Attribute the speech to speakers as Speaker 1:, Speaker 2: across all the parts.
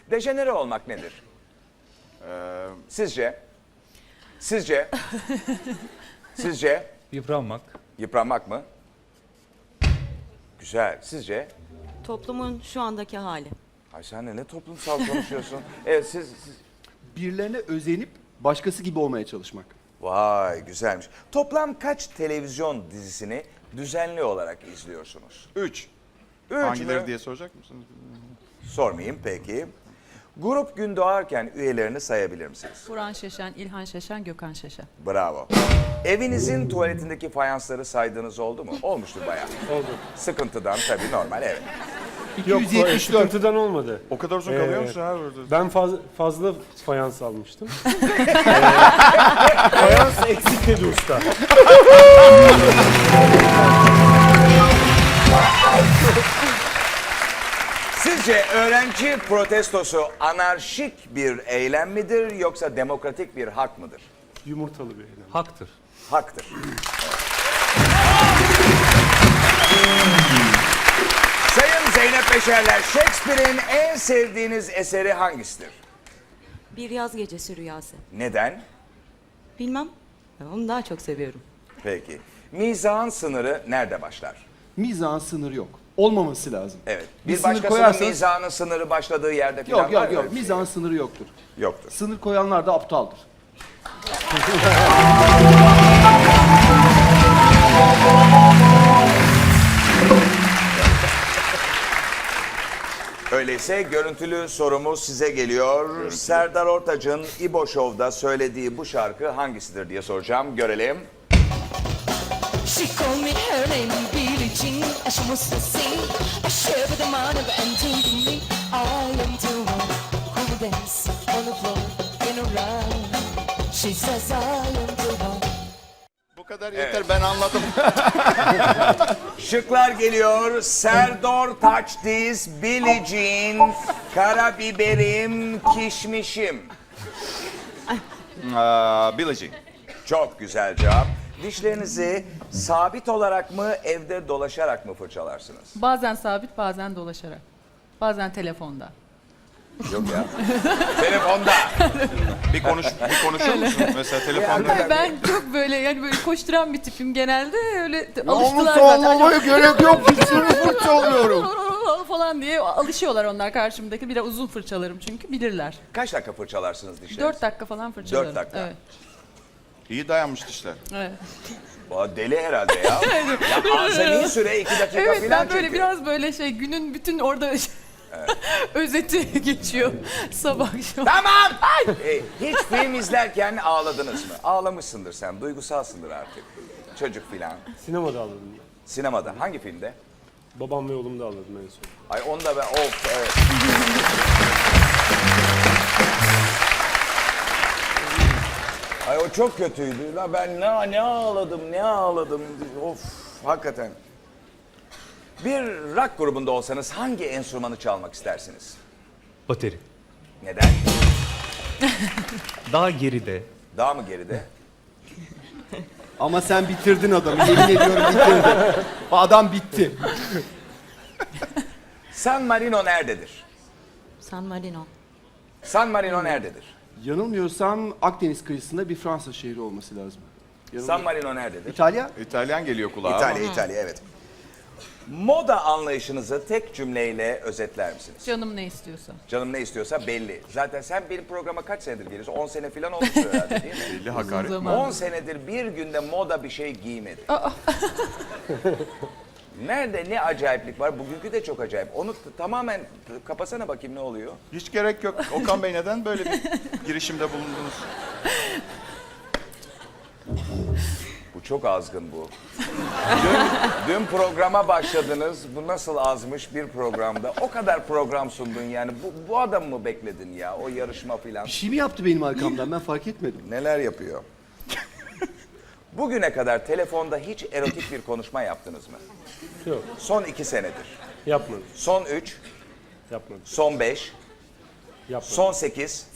Speaker 1: Dejenere olmak nedir? Sizce? Sizce? Sizce?
Speaker 2: Yıpranmak.
Speaker 1: Yıpranmak mı? Güzel. Sizce?
Speaker 3: Toplumun şu andaki hali.
Speaker 1: Ay sen de ne toplumsal konuşuyorsun? Evet siz...
Speaker 4: Birilerine özenip başkası gibi olmaya çalışmak.
Speaker 1: Vay güzelmiş. Toplam kaç televizyon dizisini düzenli olarak izliyorsunuz?
Speaker 5: 3.
Speaker 1: Üç
Speaker 5: Hangileri
Speaker 1: mü?
Speaker 5: diye soracak mısınız?
Speaker 1: Sormayayım peki. Grup gün doğarken üyelerini sayabilir misiniz?
Speaker 6: Burhan Şeşen, İlhan Şeşen, Gökhan Şeşen.
Speaker 1: Bravo. Evinizin tuvaletindeki fayansları saydığınız oldu mu? Olmuştur bayağı.
Speaker 7: Oldu.
Speaker 1: Sıkıntıdan tabii normal evet.
Speaker 7: Yok,
Speaker 4: 274.
Speaker 7: sıkıntıdan olmadı.
Speaker 5: O kadar uzun kalıyor musun abi orada?
Speaker 7: Ben fazla fayans almıştım. Fayans eksik dedi usta.
Speaker 1: Sizce öğrenci protestosu anarşik bir eylem midir yoksa demokratik bir hak mıdır?
Speaker 7: Yumurtalı bir eylem.
Speaker 2: Haktır.
Speaker 1: Haktır. Sayın Zeynep Beşerler, Shakespeare'in en sevdiğiniz eseri hangisidir?
Speaker 3: Bir yaz gecesi rüyası.
Speaker 1: Neden?
Speaker 3: Bilmem. Onu daha çok seviyorum.
Speaker 1: Peki. Mizahın sınırı nerede başlar?
Speaker 4: Mizahın sınırı yok. Olmaması lazım.
Speaker 1: Evet.
Speaker 4: Bir
Speaker 1: Bir
Speaker 4: sınır
Speaker 1: başkasının
Speaker 4: koyarsanız-
Speaker 1: mizahının sınırı başladığı yerde falan
Speaker 4: Yok
Speaker 1: var
Speaker 4: yok
Speaker 1: mı
Speaker 4: yok.
Speaker 1: öyle bir şey?
Speaker 4: Mizahın sınırı yoktur.
Speaker 1: Yoktur.
Speaker 4: Sınır koyanlar da aptaldır.
Speaker 1: Öyleyse görüntülü sorumuz size geliyor. Serdar Ortaç'ın İbo Show'da söylediği bu şarkı hangisidir diye soracağım. Görelim.
Speaker 8: She called me her name Billie Jean, and she wants to sing. I share with the man and told me I am the one who will dance on the floor in a round. She says I am the one.
Speaker 5: Bu kadar yeter ben anladım.
Speaker 1: Şıklar geliyor. Serdar Taçdiz, Billie Jean, Karabiberim, Kişmişim.
Speaker 5: Billie Jean.
Speaker 1: Çok güzel cevap. Dişlerinizi sabit olarak mı, evde dolaşarak mı fırçalarsınız?
Speaker 6: Bazen sabit, bazen dolaşarak. Bazen telefonda.
Speaker 1: Yok ya. Telefonda.
Speaker 5: Bir konuşur musun? Mesela telefonda.
Speaker 1: Tabii.
Speaker 6: Ben çok böyle yani böyle koşturan bir tipim genelde. Öyle
Speaker 4: Onu
Speaker 6: alıştılar zaten.
Speaker 4: sallamaya gerek yok. Dişlerimi fırçalıyorum.
Speaker 6: falan diye alışıyorlar onlar karşımdaki. Biraz uzun fırçalarım çünkü bilirler.
Speaker 1: Kaç dakika fırçalarsınız dişlerinizi?
Speaker 6: 4 dakika falan fırçalarım.
Speaker 1: 4 dakika.
Speaker 6: Evet.
Speaker 5: İyi dayanmış dişler.
Speaker 6: Evet.
Speaker 1: Aa, deli herhalde ya. Ya azami süre 2 dakika
Speaker 6: Evet
Speaker 1: falan
Speaker 6: ben böyle
Speaker 1: çünkü.
Speaker 6: biraz böyle günün bütün orada özeti geçiyor sabah akşam.
Speaker 1: Tamam. Hiç film izlerken ağladınız mı? Ağlamışsındır sen. Duygusalsındır artık. Çocuk filan.
Speaker 7: Sinemada aldım ben.
Speaker 1: Sinemada. Hangi filmde?
Speaker 7: Babam ve oğlum da aldım en son.
Speaker 1: Ay onda ben evet. Ay o çok kötüydü. La ben ne ağladım. Of hakikaten. Bir rock grubunda olsanız hangi enstrümanı çalmak istersiniz?
Speaker 2: Bateri.
Speaker 1: Neden?
Speaker 2: Daha geride.
Speaker 1: Daha mı geride?
Speaker 4: Ama sen bitirdin adamı. Yemin ediyorum bitirdin. Adam bitti.
Speaker 1: San Marino nerededir?
Speaker 3: San Marino.
Speaker 1: San Marino nerededir?
Speaker 4: Yanılmıyorsam Akdeniz kıyısında bir Fransa şehri olması lazım.
Speaker 1: San Marino nerededir?
Speaker 4: İtalya?
Speaker 5: İtalyan geliyor kulağa ama.
Speaker 1: İtalya evet. Moda anlayışınızı tek cümleyle özetler misiniz?
Speaker 6: Canım ne istiyorsa.
Speaker 1: Canım ne istiyorsa belli. Zaten sen benim programa kaç senedir geliyorsun? 10 sene falan olmuş herhalde değil mi?
Speaker 5: Belli hakaret mi?
Speaker 1: 10 senedir bir günde moda bir şey giymedi. Nerede ne acayiplik var? Bugünkü de çok acayip. Onu tamamen kapasana bakayım ne oluyor?
Speaker 5: Hiç gerek yok. Okan Bey neden böyle bir girişimde bulundunuz?
Speaker 1: Bu çok azgın bu. Dün programa başladınız. Bu nasıl azmış bir programda. O kadar program sundun yani. Bu adamı mı bekledin ya? O yarışma filan.
Speaker 4: Bir şey mi yaptı benim arkamdan? Ben fark etmedim.
Speaker 1: Neler yapıyor? Bugüne kadar telefonda hiç erotik bir konuşma yaptınız mı?
Speaker 7: Yok,
Speaker 1: Son 2 senedir.
Speaker 7: yapmadım.
Speaker 1: Son 3,
Speaker 7: Yapmadım.
Speaker 1: son 5,
Speaker 7: Yapmadım.
Speaker 1: son 8.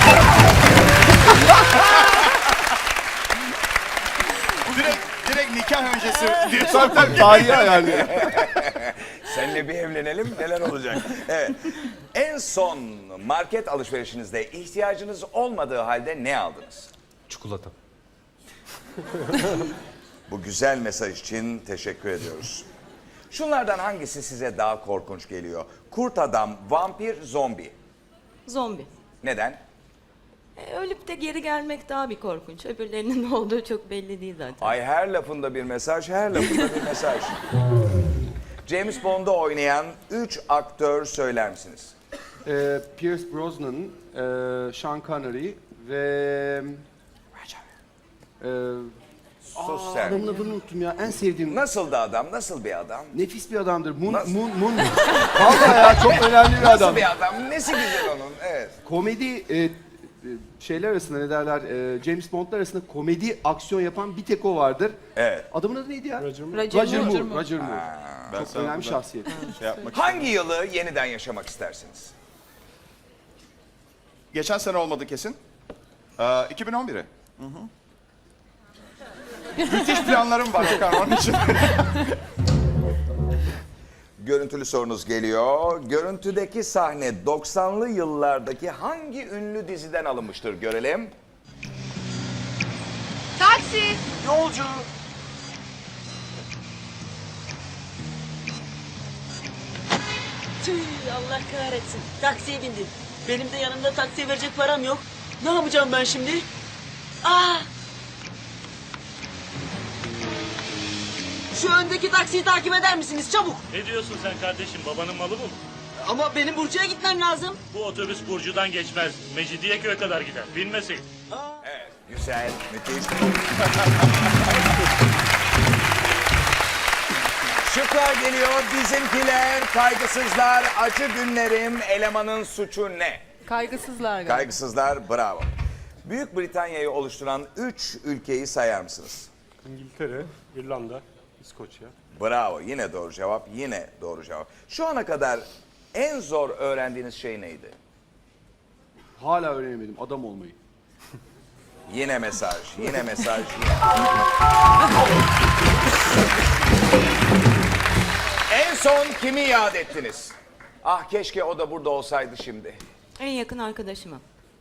Speaker 5: Direkt nikah öncesi diye
Speaker 4: Tabii tarihi ayarlıyor.
Speaker 1: Seninle bir evlenelim neler olacak? Evet. En son market alışverişinizde ihtiyacınız olmadığı halde ne aldınız?
Speaker 2: Çikolata.
Speaker 1: Bu güzel mesaj için teşekkür ediyoruz. Şunlardan hangisi size daha korkunç geliyor? Kurt adam, vampir, zombi.
Speaker 3: Zombi.
Speaker 1: Neden?
Speaker 3: Ölüp de geri gelmek daha bir korkunç. Öbürlerinin ne olduğu çok belli değil zaten.
Speaker 1: Ay her lafında bir mesaj, her lafında bir mesaj. James Bond'da oynayan 3 aktör söyler misiniz?
Speaker 4: Pierce Brosnan, Sean Connery ve...
Speaker 1: Sus sen.
Speaker 4: Adamın adını unuttum ya. En sevdiğim...
Speaker 1: Nasıl da adam, nasıl bir adam?
Speaker 4: Nefis bir adamdır. Moon.
Speaker 1: Nasıl?
Speaker 4: Vallahi ya çok önemli bir adam.
Speaker 1: Nasıl bir adam? Nesi güzel onun? Evet.
Speaker 4: Komedi şeyler arasında ne derler? James Bond'lar arasında komedi aksiyon yapan bir tek o vardır.
Speaker 1: Evet.
Speaker 4: Adamın adı neydi ya?
Speaker 7: Roger
Speaker 6: Roger Moore.
Speaker 4: Roger Moore.
Speaker 5: Ben
Speaker 4: Çok
Speaker 5: sana
Speaker 4: önemli
Speaker 5: burada
Speaker 4: şahsiyet.
Speaker 5: şey yapmak
Speaker 1: Hangi yılı yeniden yaşamak istersiniz?
Speaker 5: Geçen sene olmadı kesin. 2011'i. Müthiş planlarım var Okan onun için.
Speaker 1: Görüntülü sorunuz geliyor. Görüntüdeki sahne 90'lı yıllardaki hangi ünlü diziden alınmıştır görelim.
Speaker 8: Taksi.
Speaker 1: Yolcu.
Speaker 9: Tüh, Allah kahretsin. Taksiye bindim. Benim de yanımda taksiye verecek param yok. Ne yapacağım ben şimdi? Aa! Şu öndeki taksiyi takip eder misiniz çabuk?
Speaker 10: Ne diyorsun sen kardeşim? Babanın malı mı?
Speaker 9: Ama benim Burcu'ya gitmem lazım.
Speaker 10: Bu otobüs Burcu'dan geçmez. Mecidiyeköy'e kadar gider. Binmesin.
Speaker 1: Evet, güzel, müthiş. Şıklar geliyor. Bizimkiler, kaygısızlar, acı günlerim, elemanın suçu ne?
Speaker 6: Kaygısızlar galiba.
Speaker 1: Kaygısızlar, bravo. Büyük Britanya'yı oluşturan 3 ülkeyi sayar mısınız?
Speaker 7: İngiltere, İrlanda, İskoçya.
Speaker 1: Bravo, yine doğru cevap, yine doğru cevap. Şu ana kadar en zor öğrendiğiniz şey neydi?
Speaker 4: Hala öğrenemedim adam olmayı.
Speaker 1: Yine mesaj, yine mesaj, yine. En son kimi yad ettiniz? Ah keşke o da burada olsaydı şimdi.
Speaker 3: En yakın arkadaşıma.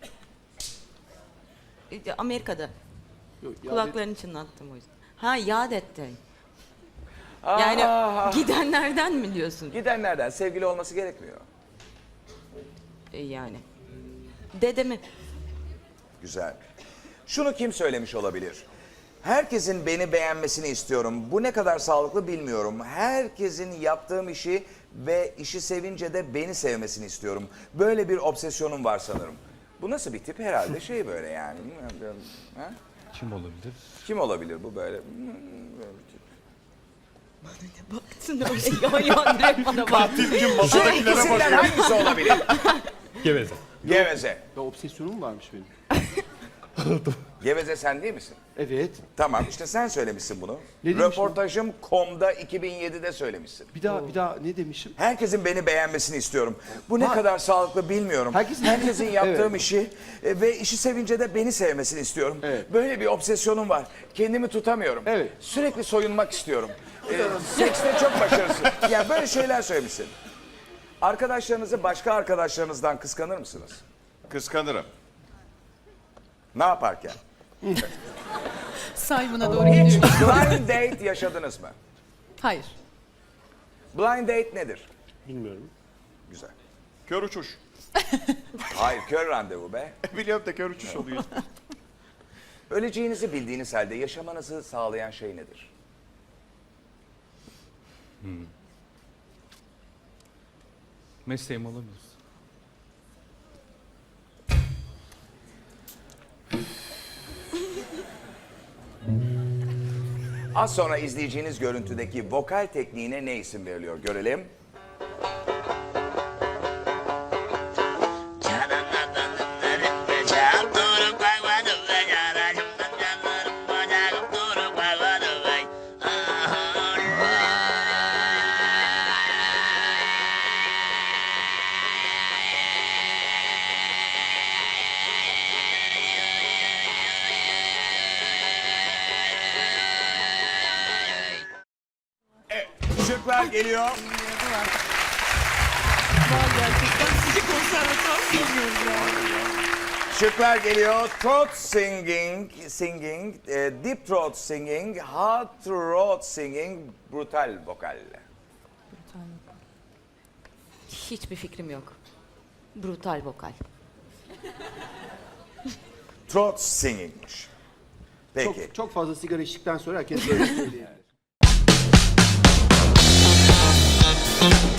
Speaker 3: Amerika'da.
Speaker 4: Yok, ya
Speaker 3: Kulaklarını çınlattım o yüzden. Ha yad etti. Yani gidenlerden mi diyorsun?
Speaker 1: Gidenlerden sevgili olması gerekmiyor.
Speaker 3: Yani. Dedemi.
Speaker 1: Güzel. Şunu kim söylemiş olabilir? Herkesin beni beğenmesini istiyorum. Bu ne kadar sağlıklı bilmiyorum. Herkesin yaptığım işi ve işi sevince de beni sevmesini istiyorum. Böyle bir obsesyonum var sanırım. Bu nasıl bir tip? Herhalde şey böyle yani. Ha?
Speaker 2: Kim olabilir?
Speaker 1: Kim olabilir bu böyle? Böyle bir tip.
Speaker 3: Baktın öyle yan direkt bana bak.
Speaker 5: Katil kim? Masadakilere
Speaker 1: İkisinden
Speaker 5: bakıyor.
Speaker 1: hangisi olabilir?
Speaker 2: Geveze.
Speaker 1: Geveze.
Speaker 4: Ya obsesyonum varmış benim.
Speaker 1: Geveze sen değil misin?
Speaker 4: Evet.
Speaker 1: Tamam işte sen söylemişsin bunu.
Speaker 4: Ne demişim?
Speaker 1: Röportajım.com'da 2007'de söylemişsin.
Speaker 4: Bir daha ne demişim?
Speaker 1: Herkesin beni beğenmesini istiyorum. Bu ne
Speaker 4: Ha.
Speaker 1: kadar sağlıklı bilmiyorum.
Speaker 4: Herkesin-
Speaker 1: yaptığım
Speaker 4: Evet.
Speaker 1: işi ve işi sevince de beni sevmesini istiyorum.
Speaker 4: Evet.
Speaker 1: Böyle bir obsesyonum var. Kendimi tutamıyorum.
Speaker 4: Evet.
Speaker 1: Sürekli soyunmak istiyorum. Sekste çok başarısız. Yani böyle şeyler söylemişsin. Arkadaşlarınızı başka arkadaşlarınızdan kıskanır mısınız?
Speaker 5: Kıskanırım.
Speaker 1: Ne yaparken?
Speaker 6: Simon'a doğru
Speaker 1: Hiç
Speaker 6: gidiyor.
Speaker 1: blind date yaşadınız mı?
Speaker 6: Hayır.
Speaker 1: Blind date nedir?
Speaker 7: Bilmiyorum.
Speaker 1: Güzel.
Speaker 5: Kör uçuş.
Speaker 1: Hayır, kör randevu be.
Speaker 5: Biliyorum da kör uçuş oluyor.
Speaker 1: Öleceğinizi bildiğiniz halde yaşamanızı sağlayan şey nedir?
Speaker 2: Mesleğim olamaz.
Speaker 1: Az sonra izleyeceğiniz görüntüdeki vokal tekniğine ne isim veriliyor görelim. geliyor.
Speaker 6: Var gerçekten. Sizi konservatuar bilmiyoruz ya.
Speaker 1: Şıklar geliyor. Throat singing, deep throat singing, hard throat singing, brutal vokal.
Speaker 3: Hiçbir fikrim yok. Brutal vokal.
Speaker 1: Throat singing'miş. Peki.
Speaker 4: Çok fazla sigara içtikten sonra herkes böyle söylüyor.